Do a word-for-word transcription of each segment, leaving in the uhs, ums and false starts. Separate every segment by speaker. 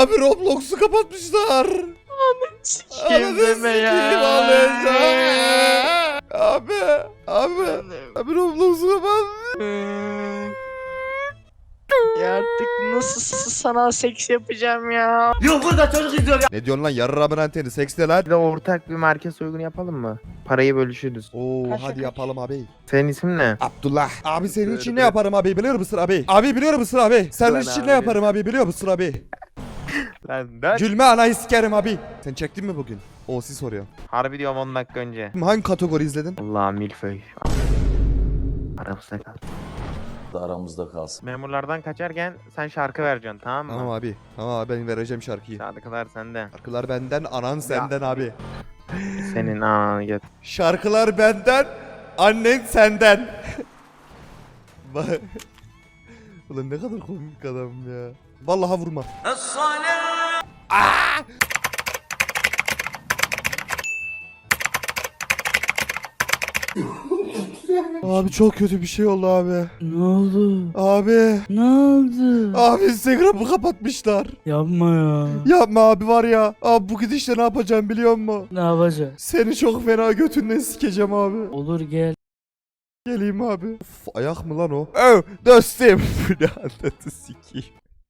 Speaker 1: Abi Roblox'u kapatmışlar.
Speaker 2: Sikeyim deme ya.
Speaker 1: Abi. Abi. Abi Roblox'u kapat.
Speaker 2: Ya artık nasıl sana seks yapacağım ya?
Speaker 3: Yok burada çocuk izliyor ya.
Speaker 1: Ne diyorsun lan yarrağımın anteni seks ne lan?
Speaker 4: Bir de ortak bir market soygunu yapalım mı? Parayı bölüşürüz.
Speaker 1: Oo
Speaker 2: Kaç
Speaker 1: hadi
Speaker 2: kaç?
Speaker 1: yapalım abi.
Speaker 4: Senin ismin ne?
Speaker 1: Abdullah. Abi senin için ne yaparım abi biliyor musun abi? Abi biliyor musun abi? Senin
Speaker 4: Lan
Speaker 1: için
Speaker 4: abi.
Speaker 1: ne yaparım abi biliyor musun abi?
Speaker 4: Lan ben.
Speaker 1: Gülme anayı sikerim abi. Sen çektin mi bugün? O siz soruyor.
Speaker 4: Harbi diyorum on dakika önce.
Speaker 1: Hangi kategori izledin?
Speaker 4: Allah'ım milföy. Aramızda kal.
Speaker 3: Aramızda kalsın.
Speaker 4: Memurlardan kaçarken sen şarkı vereceksin tamam mı?
Speaker 1: Tamam abi. Tamam abi ben vereceğim şarkıyı.
Speaker 4: Şarkılar sende.
Speaker 1: Şarkılar benden, anan senden abi.
Speaker 4: Senin ananı get.
Speaker 1: Şarkılar benden, annen senden. Bak. Ulan ne kadar komik adam ya. Vallahi vurma. Aa! Abi çok kötü bir şey oldu abi.
Speaker 5: Ne oldu?
Speaker 1: Abi.
Speaker 5: Ne oldu?
Speaker 1: Abi Instagram'ı kapatmışlar.
Speaker 5: Yapma ya.
Speaker 1: Yapma abi var ya. Abi bu gidişle ne yapacağım biliyor musun?
Speaker 5: Ne yapacağız?
Speaker 1: Seni çok fena götünden sikeceğim abi.
Speaker 5: Olur gel.
Speaker 1: Geleyim abi. Of, ayak mı lan o? Oh, dostum. Bu ne anlatı sikeyim.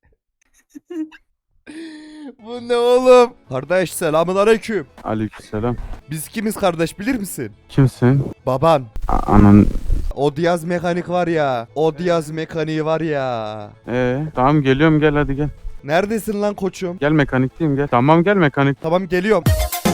Speaker 1: Bu ne oğlum? Kardeş selamun aleyküm.
Speaker 6: Aleykümselam.
Speaker 1: Biz kimiz kardeş bilir misin?
Speaker 6: Kimsin?
Speaker 1: Baban.
Speaker 6: A- Anan.
Speaker 1: O Diyaz mekanik var ya. O Diyaz mekaniği var ya.
Speaker 6: Ee, tamam geliyorum gel hadi gel.
Speaker 1: Neredesin lan koçum?
Speaker 6: Gel mekanikteyim gel. Tamam gel mekanik.
Speaker 1: Tamam geliyorum.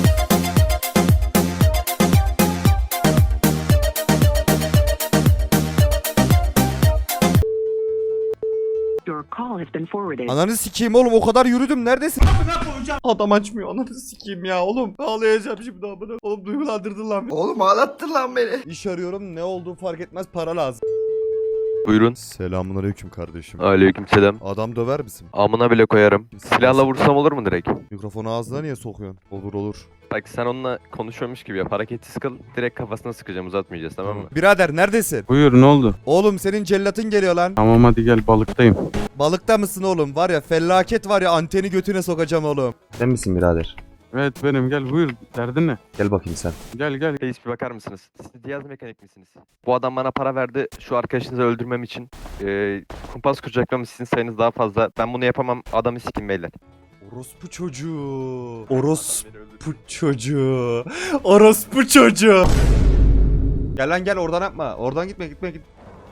Speaker 7: Your call has been forwarded.
Speaker 1: Ananı sikeyim oğlum o kadar yürüdüm neredesin? Adam açmıyor ananı sikeyim ya oğlum. Ağlayacağım şimdi amına. Oğlum duygulandırdın lan.
Speaker 3: Oğlum ağlattın lan beni.
Speaker 1: İş arıyorum ne olduğu fark etmez para lazım.
Speaker 8: Buyurun.
Speaker 1: Selamünaleyküm kardeşim.
Speaker 8: Aleykümselam.
Speaker 1: Adam döver misin?
Speaker 8: Amına bile koyarım. Silahla vursam olur mu direkt?
Speaker 1: Mikrofonu ağzına niye sokuyorsun? Olur olur.
Speaker 8: Bak sen onunla konuşuyormuş gibi yap. Hareketsiz kıl. Direkt kafasına sıkacağım. Uzatmayacağız tamam mı?
Speaker 1: Birader neredesin?
Speaker 6: Buyur ne oldu?
Speaker 1: Oğlum senin cellatın geliyor lan.
Speaker 6: Tamam hadi gel balıktayım.
Speaker 1: Balıkta mısın oğlum? Var ya felaket var ya anteni götüne sokacağım oğlum.
Speaker 9: Sen misin birader?
Speaker 6: Evet benim gel buyur. Derdin ne?
Speaker 9: Gel bakayım sen.
Speaker 6: Gel gel.
Speaker 8: Reis bir bakar mısınız? Siz Diyaz mekanik misiniz? Bu adam bana para verdi şu arkadaşınızı öldürmem için. Ee, kumpas kuracaklarım sizin sayınız daha fazla. Ben bunu yapamam. Adamı sikin beyler.
Speaker 1: Orospu çocuğu. Orospu çocuğu. Orospu çocuğu. Gel lan gel oradan yapma. Oradan gitme gitme git.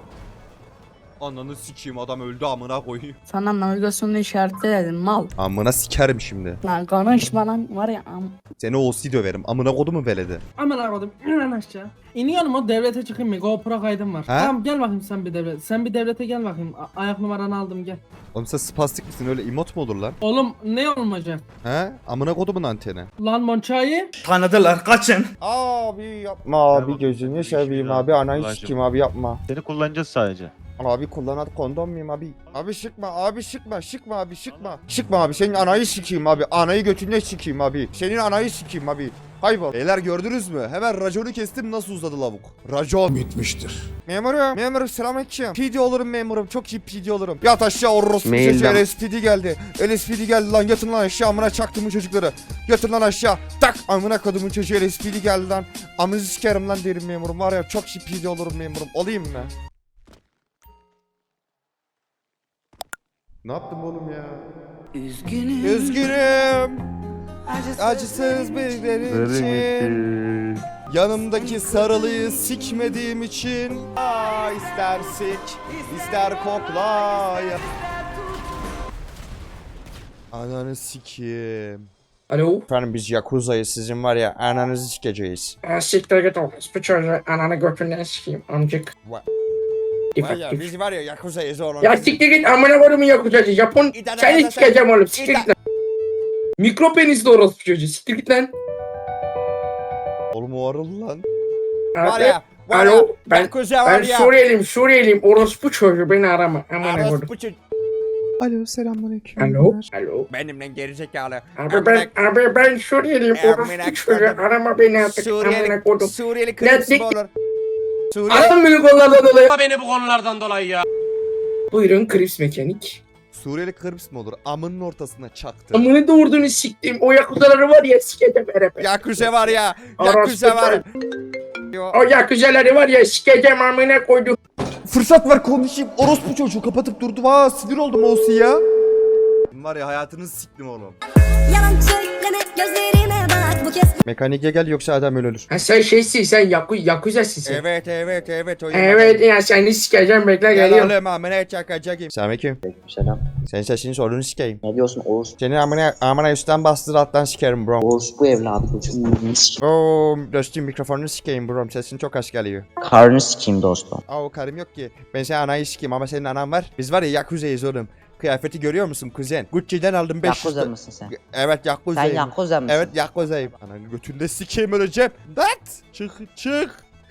Speaker 1: Ananı sikeyim adam öldü amına koyayım.
Speaker 5: Sana navigasyonu işaretledim mal.
Speaker 1: Amına sikerim şimdi.
Speaker 5: Lan konuşma lan var ya am.
Speaker 1: Seni O C döverim. Amına kodumu veledi.
Speaker 10: Aman aradım. İn lan aşağı. İniyorum o devlete çıkayım mı? GoPro kaydım var. Tamam gel bakayım sen bir devlet. Sen bir devlete gel bakayım. A- ayak numaranı aldım gel.
Speaker 1: Oğlum sen spastik misin öyle emot mu olur lan?
Speaker 10: Oğlum ne olmayacak?
Speaker 1: He? Amına kodumun anteni.
Speaker 10: Lan Monçayı.
Speaker 3: Tanıdılar kaçın.
Speaker 9: Abi yapma abi gözünü seveyim abi anayı sikeyim abi yapma.
Speaker 11: Seni kullanacağız sadece.
Speaker 9: Abi kullanat kondom muyum abi? Abi şıkma abi şıkma şıkma abi şıkma. Şıkma abi senin anayı sikeyim abi. Anayı götüne sikeyim abi. Senin anayı sikeyim abi. Kaybol.
Speaker 1: Beyler gördünüz mü? Hemen raconu kestim nasıl uzadı lavuk. Racon.
Speaker 3: Bitmiştir.
Speaker 9: Memurum. Memurum selamünaleyküm. P D olurum memurum. Çok iyi P D olurum. Yat aşağı orospu
Speaker 4: Mailden.
Speaker 9: çocuğu L S P D geldi. L S P D geldi lan yatın lan aşağı amına çaktım bu çocukları. Yatın lan aşağı. Tak amına kodumun çocuğu L S P D geldi lan. Amınızı sikerim lan derim memurum. Var ya çok iyi P D olurum memurum. Olayım mı? Ne yaptım oğlum ya?
Speaker 5: Üzgünüm.
Speaker 9: Üzgünüm. Acısız birileri için. Yanımdaki sarılıyı sikmediğim için. Aa, ister sik, ister kokla. Ananı sikeyim.
Speaker 10: Alo.
Speaker 9: Efendim biz Yakuza'yız sizin var ya ananızı sikeceğiz.
Speaker 10: Siktir git oğlum. Bu çocuğu ananı götünden sikeyim amcık.
Speaker 9: Var
Speaker 10: İfak
Speaker 9: ya
Speaker 10: tif.
Speaker 9: biz var ya Yakuza'yız oğlum.
Speaker 10: Ya siktir git amına kodumu yakacağız. Japon seni sikeceğim oğlum. Siktir git lan. Mikro penisli orospu çocuğu. Siktir git lan.
Speaker 9: Oğlum o arıl lan. Var
Speaker 10: Abi.
Speaker 9: ya. Var ya.
Speaker 10: Alo. Ben
Speaker 9: Yakuza var
Speaker 10: ben
Speaker 9: ya.
Speaker 10: Suriyeliyim. Suriyeliyim. Orospu çocuğu beni arama. Amına kodum.
Speaker 9: Orospu çocuğu. Alo selamünaleyküm.
Speaker 10: Alo. Alo.
Speaker 9: Benimle gerizekalı.
Speaker 10: Abi ben abi ben Suriyeliyim. Orospu çocuğu arama beni artık. Amına kodum.
Speaker 9: Suriyeli
Speaker 10: Lan
Speaker 9: kırmızı
Speaker 10: sik-
Speaker 9: olur. Suriyeli.
Speaker 10: Aram beni konulardan dolayı.
Speaker 3: Beni bu konulardan dolayı ya.
Speaker 10: Buyurun Krips Mekanik.
Speaker 9: Suriyeli Kıbrıs mı olur? Amının ortasına çaktı.
Speaker 2: Amını doğurduğunu siktim. O yakuzaları var ya sikeceğim herhalde.
Speaker 9: Yakuza var ya.
Speaker 2: Orospu
Speaker 9: Yakuza var. Yo.
Speaker 2: O yakuzaları var ya sikeceğim amına koydum.
Speaker 9: Fırsat ver konuşayım. Orospu çocuğu kapatıp durdu. Vaa sinir oldum olsun ya. Var ya hayatınızı siktim oğlum.
Speaker 5: Yalan söyleme gözlerime bak bu kez.
Speaker 9: Mekanike gel yoksa adam ölür.
Speaker 2: Ha sen şeysin sen yaku yakuzasın sen.
Speaker 9: Evet evet evet. O
Speaker 2: Evet ya seni sikeceğim bekle
Speaker 9: Gel
Speaker 2: geliyorum.
Speaker 9: oğlum amına çakacağım. Selamünaleyküm.
Speaker 3: Selam.
Speaker 9: Senin sesini sorunu sikeyim.
Speaker 3: Ne diyorsun Oğuz?
Speaker 9: Seni amına amına üstten bastır alttan sikerim bro.
Speaker 3: Oğuz bu evladı gözüm.
Speaker 9: Oo dostum mikrofonunu sikeyim bro. Sesin çok az geliyor.
Speaker 3: Karnı sikeyim dostum.
Speaker 9: Aa o karım yok ki. Ben senin anayı sikeyim ama senin anan var. Biz var ya Yakuza'yız oğlum. Kıyafeti görüyor musun kuzen? Gucci'den aldım beş yüz.
Speaker 3: Yakuza mısın sen?
Speaker 9: Evet Yakuza'yım.
Speaker 3: Sen Yakuza mısın?
Speaker 9: Evet Yakuza'yım. Ananı götünde sikeyim öleceğim. Dat! Çık çık.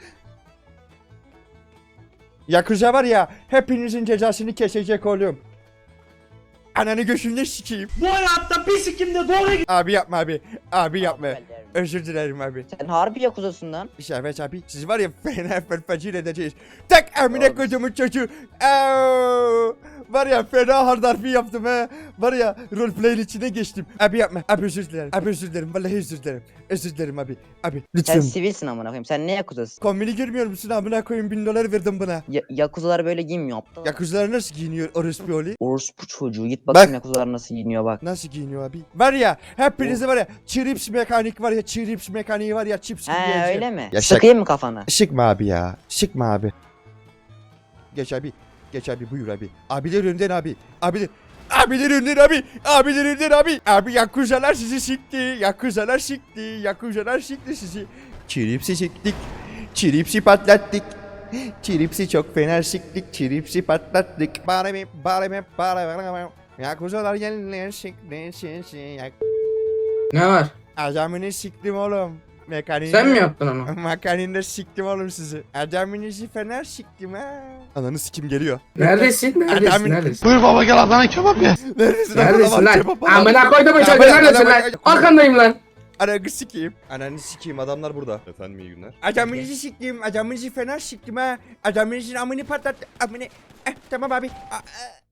Speaker 9: Yakuza var ya hepinizin cezasını kesecek oğlum. Ananı göğsünde sikeyim.
Speaker 10: Bu hayatta bir sikimde doğru
Speaker 9: Abi yapma abi. Abi yapma. Özür dilerim abi.
Speaker 3: Sen harbi Yakuza'sın lan.
Speaker 9: Evet abi siz var ya fena fırfacil edeceğiz. Tak amine kodumun çocuğu. Aaaa. Var ya fena hard harfi yaptım he. Var ya roleplay'in içine geçtim. Abi yapma. Abi özür dilerim. Abi özür dilerim. Vallahi özür dilerim. Özür dilerim abi. Abi
Speaker 3: Sen
Speaker 9: lütfen.
Speaker 3: sivilsin amına koyayım. Sen ne Yakuza'sın?
Speaker 9: Kombini görmüyor musun amına koyayım bin dolar verdim buna.
Speaker 3: Ya Yakuzalar böyle giymiyor aptal.
Speaker 9: Yakuzlar nasıl giyiniyor orospu oli?
Speaker 3: Orospu çocuğu git bakayım
Speaker 9: Bak.
Speaker 3: Yakuzalar nasıl giyiniyor bak.
Speaker 9: Nasıl giyiniyor abi? Var ya hepinizi var ya Chirips mekanik var ya Chirips mekaniği var ya chips gibi
Speaker 3: He
Speaker 9: yiyeceğim.
Speaker 3: öyle mi?
Speaker 9: Ya şak-
Speaker 3: Sıkayım mı kafana?
Speaker 9: Sıkma abi ya. Sıkma abi. Geç abi. Geç abi buyur abi. Abiler önden abi. Abiler. Abiler önden abi. Abiler önden abi. Abi yakuzalar sizi sikti. Yakuzalar sikti. Yakuzalar sikti sizi. Çiripsi siktik. Çiripsi patlattık. Çiripsi çok fena siktik. Çiripsi patlattık. Bari mi? Bari mi? Bari mi? Yakuzalar gelirler sikti. Sikti. Yak-
Speaker 2: Ne var?
Speaker 9: Adamını siktim oğlum. Mekaniğini.
Speaker 2: Sen mi yaptın onu?
Speaker 9: Makaninde siktim oğlum sizi. Adamınızı fener siktim ha. Ananı sikim geliyor.
Speaker 2: Neredesin? Neredesin?
Speaker 9: Adamın-
Speaker 2: Neredesin?
Speaker 6: Buyur baba gel Adana kebap ye.
Speaker 9: Neredesin?
Speaker 2: Neredesin lan?
Speaker 9: Kebap adam.
Speaker 2: Amına koydum bu çocuğu
Speaker 9: Amına-
Speaker 2: neredesin
Speaker 9: amına-
Speaker 2: lan? Arkandayım lan.
Speaker 9: Ananı sikeyim. Ananı sikeyim adamlar burada. Efendim iyi günler. Adamınızı siktim. Adamınızı fener siktim ha. Adamınızın amını patlattı. Amını. Eh, tamam abi. A- a-